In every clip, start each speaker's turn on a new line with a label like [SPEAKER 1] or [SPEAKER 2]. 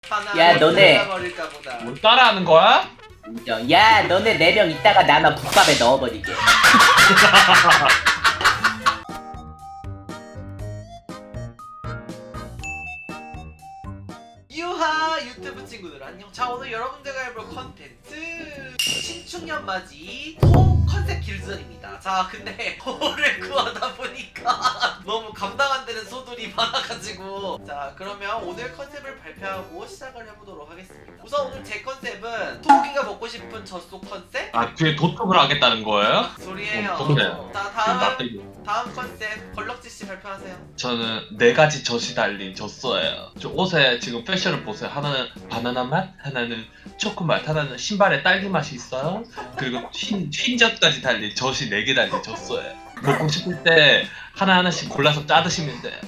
[SPEAKER 1] 야, 너네.
[SPEAKER 2] 뭘 따라하는 거야?
[SPEAKER 1] 야, 너네 4명 있다가 나만 국밥에 넣어버리게.
[SPEAKER 3] 유하 유튜브 친구들 안녕. 자, 오늘 여러분들과 해볼 컨텐츠 신축년 맞이 소 컨셉 길전입니다. 자, 근데 소를 구하다 보니까 너무 감당 안 되는 소들이 많아가지고, 자, 그러면 오늘 컨셉을 발표하고 시작을 해보도록 하겠습니다. 우선 오늘 제 컨셉은 소고기가 먹고 싶은 젖소 컨셉?
[SPEAKER 2] 아 뒤에 도둑을 하겠다는 거예요?
[SPEAKER 3] 소리예요.
[SPEAKER 2] 좋네.
[SPEAKER 3] 자, 다음 컨셉 걸럭지씨 발표하세요.
[SPEAKER 2] 저는 4가지 젖이 달린 젖소예요. 저 옷에 지금 패션을 보세요. 하나는 바나나 맛, 하나는 초코 맛, 하나는 신발에 딸기 맛이 있어요. 그리고 흰젖까지 달린 젖이 4개 달린 젖소예요. 먹고 싶을 때 하나하나씩 골라서 짜 드시면 돼요.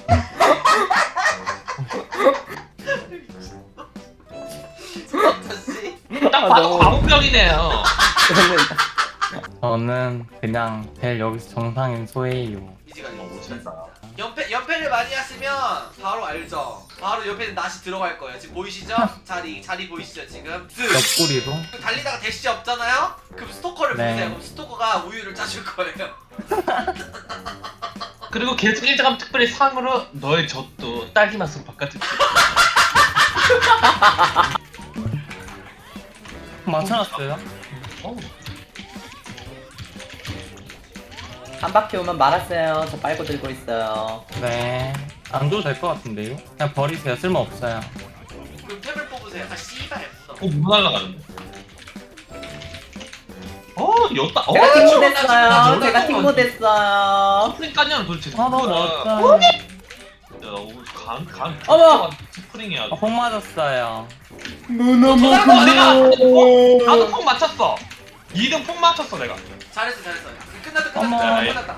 [SPEAKER 3] 걸럭지씨.
[SPEAKER 2] 딱 봐도 과목병이네요.
[SPEAKER 4] 저는 그냥 제일 여기서 정상인 소예요.
[SPEAKER 3] 이지가
[SPEAKER 2] 멋있다.
[SPEAKER 3] 연패를 많이 하시면 바로 알죠. 바로 옆에는 낫이 들어갈 거예요. 지금 보이시죠? 자리 보이시죠 지금?
[SPEAKER 4] 옆구리로.
[SPEAKER 3] 달리다가 대시 없잖아요? 그럼 스토커를
[SPEAKER 4] 네.
[SPEAKER 3] 보세요. 그럼 스토커가 우유를 짜줄 거예요.
[SPEAKER 2] 그리고 계속 일자감 특별히 상으로 너의 젖도 딸기 맛으로 바꿔줄게.
[SPEAKER 4] 맞춰놨어요?
[SPEAKER 2] 어.
[SPEAKER 1] 한 바퀴 오면 말았어요. 저 빨고 들고 있어요.
[SPEAKER 4] 네. 안 줘도 될 것 같은데요? 그냥 버리세요. 쓸모없어요.
[SPEAKER 3] 그럼 탭을 뽑으세요. 아 씨발.
[SPEAKER 2] 뭐 날라가는데? 였다.
[SPEAKER 1] 제가 팀
[SPEAKER 3] 저-
[SPEAKER 1] 못했어요.
[SPEAKER 3] 저-
[SPEAKER 1] 제가
[SPEAKER 3] 저-
[SPEAKER 1] 팀 못했어요.
[SPEAKER 2] 스프링까지는 도대체
[SPEAKER 4] 아, 너무
[SPEAKER 2] 누구야?
[SPEAKER 4] 멋져요.
[SPEAKER 2] 야, 오늘 간.
[SPEAKER 1] 어머!
[SPEAKER 2] 스프링이야.
[SPEAKER 4] 폭 맞았어요.
[SPEAKER 2] 나도 폭 맞췄어. 2등 폭 맞췄어 내가.
[SPEAKER 3] 잘했어. 끝났다.
[SPEAKER 4] 어머.
[SPEAKER 3] 끝났다.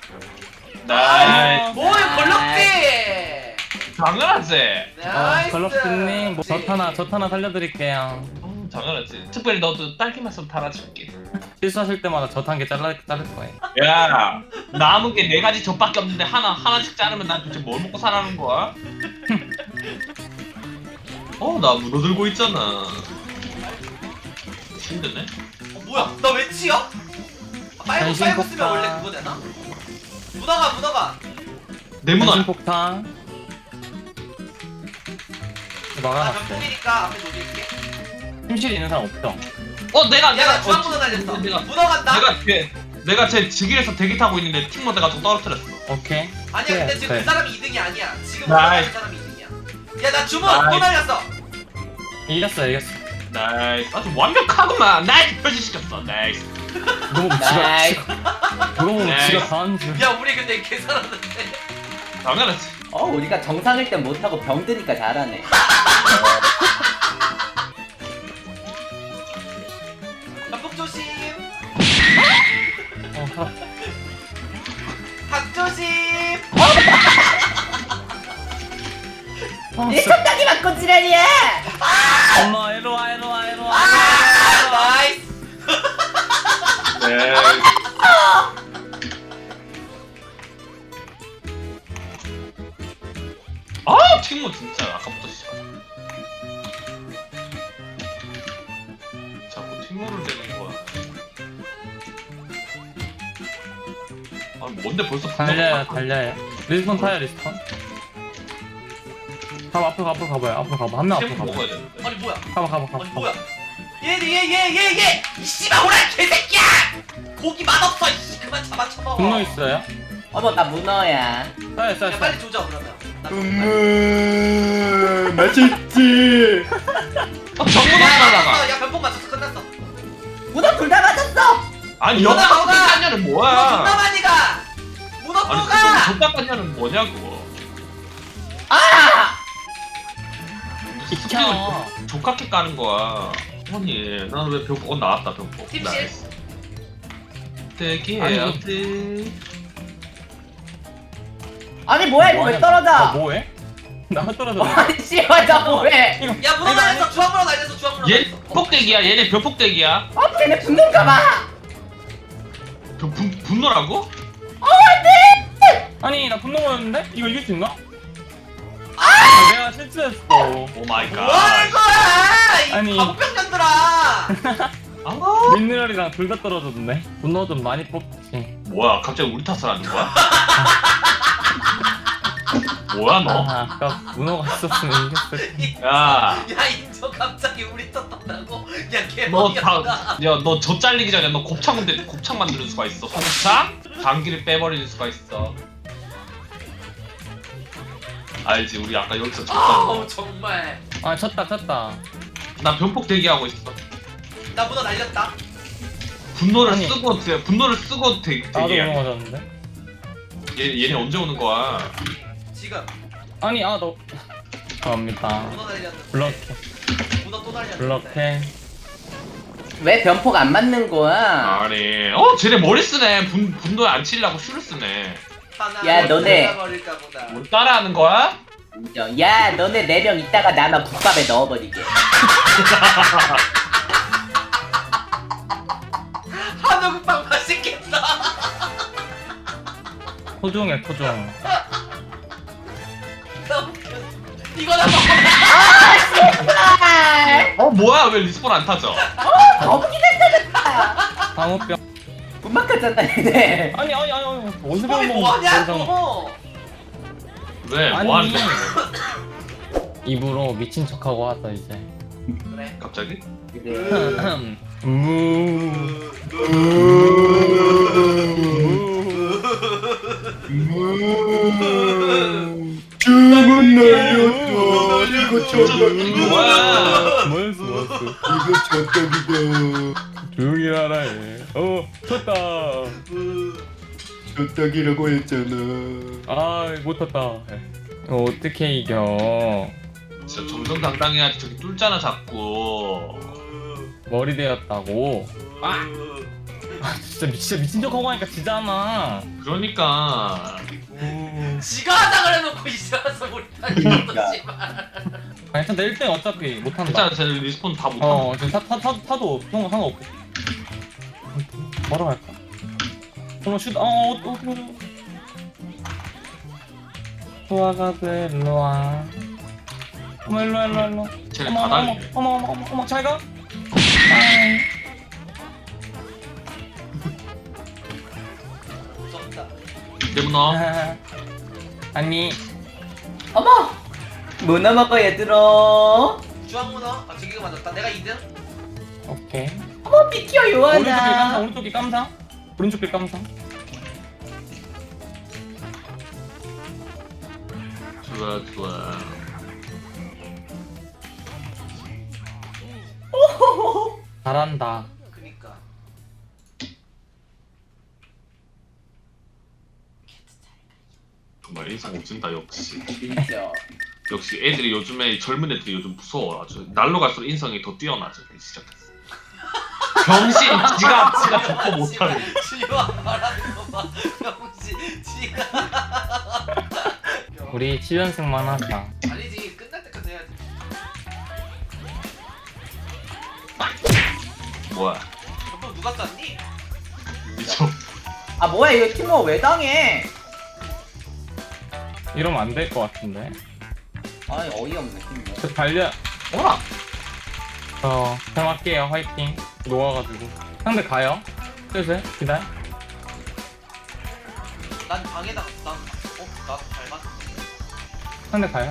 [SPEAKER 2] 나이스.
[SPEAKER 3] 뭐야 걸럭지.
[SPEAKER 2] 당연하지.
[SPEAKER 3] 나이스.
[SPEAKER 4] 걸럭스님, 뭐 젖 하나 살려드릴게요.
[SPEAKER 2] 당연하지. 특별히 너도 딸기 맛으로 달아줄게.
[SPEAKER 4] 실수하실 때마다 젖 한 개 자를 거예요.
[SPEAKER 2] 야, 남은 게 4가지 젖밖에 없는데 하나씩 자르면 난 도대체 뭘 먹고 살라는 거야? 나 문어 들고 있잖아. 힘드네.
[SPEAKER 3] 뭐야? 나 왜 치여? 빨고
[SPEAKER 4] 변신
[SPEAKER 3] 쓰면
[SPEAKER 4] 폭탄.
[SPEAKER 3] 원래 그거 되나? 문어가.
[SPEAKER 2] 내 문어.
[SPEAKER 4] 폭탄.
[SPEAKER 3] 나
[SPEAKER 4] 막아놨어요.
[SPEAKER 3] 병풍이니까 앞에 놓을게.
[SPEAKER 4] 힘실 있는 사람 없죠?
[SPEAKER 3] 야, 주황 문어 날렸어. 문어 간다.
[SPEAKER 2] 내가 제 직위에서 대기 타고 있는데 팀 모드가 좀 떨어뜨렸어.
[SPEAKER 4] 오케이.
[SPEAKER 3] 아니야, 근데 지금
[SPEAKER 4] 네.
[SPEAKER 3] 그 사람이 2등이 아니야. 지금
[SPEAKER 2] 나이스.
[SPEAKER 3] 올라가는 사람이 2등이야. 야, 나 주문 또
[SPEAKER 2] 나이스.
[SPEAKER 3] 날렸어.
[SPEAKER 4] 이겼어요.
[SPEAKER 2] 나이스. 아주 완벽하구만. 나이스 표시시켰어. 나이스.
[SPEAKER 4] 너무
[SPEAKER 1] 나이스.
[SPEAKER 4] 너무
[SPEAKER 2] 네.
[SPEAKER 4] 지가 다한 줄.
[SPEAKER 3] 야, 우리 근데 개살았는데.
[SPEAKER 2] 당연하지.
[SPEAKER 1] 우리가 정상일 땐 못하고 병드니까 잘하네.
[SPEAKER 3] 닭 조심.
[SPEAKER 4] 어,
[SPEAKER 3] 닭 조심.
[SPEAKER 1] 얘 첫당이 맞고 지랄이야!
[SPEAKER 4] 엄마 이리 와.
[SPEAKER 3] 나이스.
[SPEAKER 2] 네. 팀모 진짜 아까부터 시작. 자꾸 팀모를 내는 거야. 뭔데 벌써
[SPEAKER 4] 달려요. 리스폰 타요, 리스폰. 앞으로 가봐요. 앞으로 가봐. 한 명 앞으로
[SPEAKER 2] 팀
[SPEAKER 4] 가봐.
[SPEAKER 2] 먹어야 되는데.
[SPEAKER 3] 아니 뭐야?
[SPEAKER 4] 가봐.
[SPEAKER 3] 아니 뭐야? 얘. 이 씨발 오라 개새끼야! 고기 맛없어. 이씨 그만 잡아쳐먹어.
[SPEAKER 4] 분노 있어요?
[SPEAKER 1] 어머, 나 문어야.
[SPEAKER 4] 쏴요.
[SPEAKER 3] 야, 빨리 조져 그러면.
[SPEAKER 1] 맛있지.
[SPEAKER 2] 정문으로 날라가.
[SPEAKER 3] 야, 변폭 맞췄어. 끝났어.
[SPEAKER 1] 문어 둘 다 맞았어!
[SPEAKER 2] 아니
[SPEAKER 3] 문어
[SPEAKER 2] 여기서
[SPEAKER 3] 먹어!
[SPEAKER 2] 깐냐는
[SPEAKER 3] 문어 존나
[SPEAKER 2] 뭐야?
[SPEAKER 3] 많이 가. 문어 또
[SPEAKER 2] 아니
[SPEAKER 3] 가.
[SPEAKER 2] 존나 깐냐는 뭐냐고.
[SPEAKER 1] 아!
[SPEAKER 4] 비켜.
[SPEAKER 2] 족같게 까는 거야. 아니 나는 왜 병폭 나왔다 병폭.
[SPEAKER 3] 팀실?
[SPEAKER 2] 나이스. 대기해야지.
[SPEAKER 1] 아니, 뭐야, 이거 왜 떨어져?
[SPEAKER 4] 뭐해? 나 떨어져.
[SPEAKER 1] 아니, 씨발, 나 뭐해?
[SPEAKER 3] 야, 문어 날렸어. 주황문어 날렸어.
[SPEAKER 2] 얘 폭대기야. 얘네 병폭대기야.
[SPEAKER 1] 쟤네 붙는가 봐!
[SPEAKER 2] 분노라고?
[SPEAKER 4] 아니 나 분노 모였는데? 이거 이길 수 있나? 내가 실수했어.
[SPEAKER 2] 오 마이 갓.
[SPEAKER 3] 뭐하는 거야 이
[SPEAKER 4] 아니.
[SPEAKER 3] 바보병년들아.
[SPEAKER 2] 아,
[SPEAKER 4] 민느랄이랑 둘 다 떨어졌네. 분노 좀 많이 뽑지.
[SPEAKER 2] 뭐야 갑자기 우리 탓을 하는 거야? 뭐야 너?
[SPEAKER 4] 아까 문어가 있었으면 이겼을.
[SPEAKER 2] 야,
[SPEAKER 3] 야 인조 갑자기 우리 떴다고? 야
[SPEAKER 2] 너
[SPEAKER 3] 개머리였다.
[SPEAKER 2] 너 저 잘리기 전에 너 곱창 만드는 수가 있어. 곱창? 방귀를 빼버리는 수가 있어. 알지? 우리 아까 여기서 졌던
[SPEAKER 3] 아우
[SPEAKER 2] 거.
[SPEAKER 3] 정말.
[SPEAKER 4] 아 쳤다.
[SPEAKER 2] 나 변폭 대기하고 있어.
[SPEAKER 3] 나 문어 날렸다.
[SPEAKER 2] 분노를
[SPEAKER 4] 아니.
[SPEAKER 2] 쓰고
[SPEAKER 4] 나도
[SPEAKER 2] 대기해.
[SPEAKER 4] 문어 맞았는데.
[SPEAKER 2] 얘네 언제 오는 거야?
[SPEAKER 3] 지금
[SPEAKER 4] 아니 너. 감사합니다.
[SPEAKER 3] 문어 날렸는데.
[SPEAKER 4] 블럭해.
[SPEAKER 3] 문어 또 날렸는데.
[SPEAKER 4] 블럭해.
[SPEAKER 1] 왜 변폭 안 맞는 거야?
[SPEAKER 2] 아니, 쟤네 머리 쓰네. 분노에 안 치려고 슈를 쓰네.
[SPEAKER 3] 하나
[SPEAKER 1] 야, 너네.
[SPEAKER 3] 버릴까 보다.
[SPEAKER 2] 뭘 따라하는 거야?
[SPEAKER 1] 인정. 야 너네 4명 있다가 나만 국밥에 넣어버리게.
[SPEAKER 3] 한우국밥 맛있겠다.
[SPEAKER 4] 토종해 토종.
[SPEAKER 3] 나 웃겨. 이거나 먹어.
[SPEAKER 2] 뭐야? 왜 리스폰 안 타죠?
[SPEAKER 1] 거북이가 터졌다.
[SPEAKER 4] 방어병.
[SPEAKER 1] 못 막았잖아 얘네.
[SPEAKER 4] 아니 어디서
[SPEAKER 3] 아니
[SPEAKER 4] 배운
[SPEAKER 3] 뭐하냐고.
[SPEAKER 2] 왜?
[SPEAKER 4] 아니.
[SPEAKER 2] 뭐 하는 거야?
[SPEAKER 4] 입으로 미친 척하고 왔어 이제.
[SPEAKER 3] 그래.
[SPEAKER 2] 갑자기?
[SPEAKER 5] 주문 날렸어. 이거 젖떡이다.
[SPEAKER 2] 뭐야?
[SPEAKER 4] 뭐였어
[SPEAKER 5] 이거 젖떡이다.
[SPEAKER 4] 조용히 하라 해. 쳤다.
[SPEAKER 5] 젖떡이라고 했잖아.
[SPEAKER 4] 아 못했다. 이거 어떻게 이겨?
[SPEAKER 2] 진짜 정정당당해야지. 저기 뚫잖아 자꾸.
[SPEAKER 4] 머리 되었다고. 아 진짜 미친 척하고 하니까 지잖아.
[SPEAKER 2] 그러니까
[SPEAKER 3] 지가 하자 그래놓고 이제 와서 우리 날렸어 씨발.
[SPEAKER 4] 아니 일단 내 1등 어차피 못한다.
[SPEAKER 2] 괜찮아. 쟤 리스폰 다 못하고.
[SPEAKER 4] 지금 타도 상관없고. 뭐라 할까? 슛 소화가 돼 일로와. 일로.
[SPEAKER 2] 쟤네 다 달리네.
[SPEAKER 4] 어머 잘 가. 아이.
[SPEAKER 3] 무섭다.
[SPEAKER 2] 내문어.
[SPEAKER 4] 아니
[SPEAKER 1] 어머. 문어 먹어 얘들아.
[SPEAKER 3] 주황문어. 아 저기가 맞았다. 내가 2등.
[SPEAKER 4] 오케이.
[SPEAKER 1] 어머 비켜 요하나.
[SPEAKER 4] 오른쪽이 깜상. 오른쪽이 깜상.
[SPEAKER 2] 좋아.
[SPEAKER 4] 잘한다.
[SPEAKER 3] 그니까.
[SPEAKER 2] 정말 인상 오진다 역시.
[SPEAKER 1] 진짜.
[SPEAKER 2] 역시 애들이 요즘에 젊은 애들이 요즘 무서워. 아주 날로 갈수록 인성이 더 뛰어나져. 시작했어. 병신 지가 좋고 못하는.
[SPEAKER 3] 지가 말하는 거 봐. 병신 지가.
[SPEAKER 4] 우리 7연승만 하자.
[SPEAKER 3] 아니지 끝날 때까지 해야지.
[SPEAKER 2] 뭐야?
[SPEAKER 3] 저번 누가 쐈니?
[SPEAKER 2] 미쳐.
[SPEAKER 1] 아 뭐야 이거 팀워 왜 당해?
[SPEAKER 4] 이러면 안 될 것 같은데.
[SPEAKER 1] 아니 어이없네 팀워.
[SPEAKER 4] 저 달려.
[SPEAKER 2] 뭐라?
[SPEAKER 4] 잘할게요. 화이팅. 녹아가지고. 상대 가요. 슬슬 기다려.
[SPEAKER 3] 난 방에다가 나도 닮았어.
[SPEAKER 4] 상대 가요.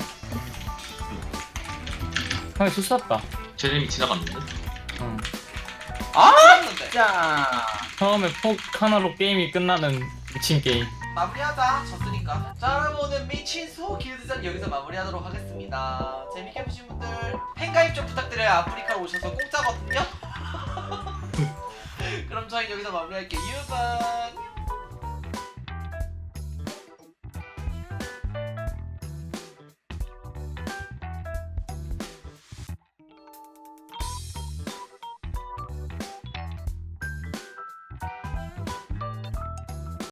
[SPEAKER 4] 상대 실수했다.
[SPEAKER 2] 쟤네미 지나갔는데?
[SPEAKER 4] 응.
[SPEAKER 1] 아
[SPEAKER 3] 쐈는데.
[SPEAKER 1] 진짜.
[SPEAKER 4] 처음에 폭 하나로 게임이 끝나는 미친 게임.
[SPEAKER 3] 마무리하자. 졌으니까. 자 여러분 오늘 미친 소 길드전 여기서 마무리하도록 하겠습니다. 재밌게 보신 분들 팬가입 좀 부탁드려요. 아프리카로 오셔서 공짜거든요. 그럼 저희 여기서 마무리할게요. 유방.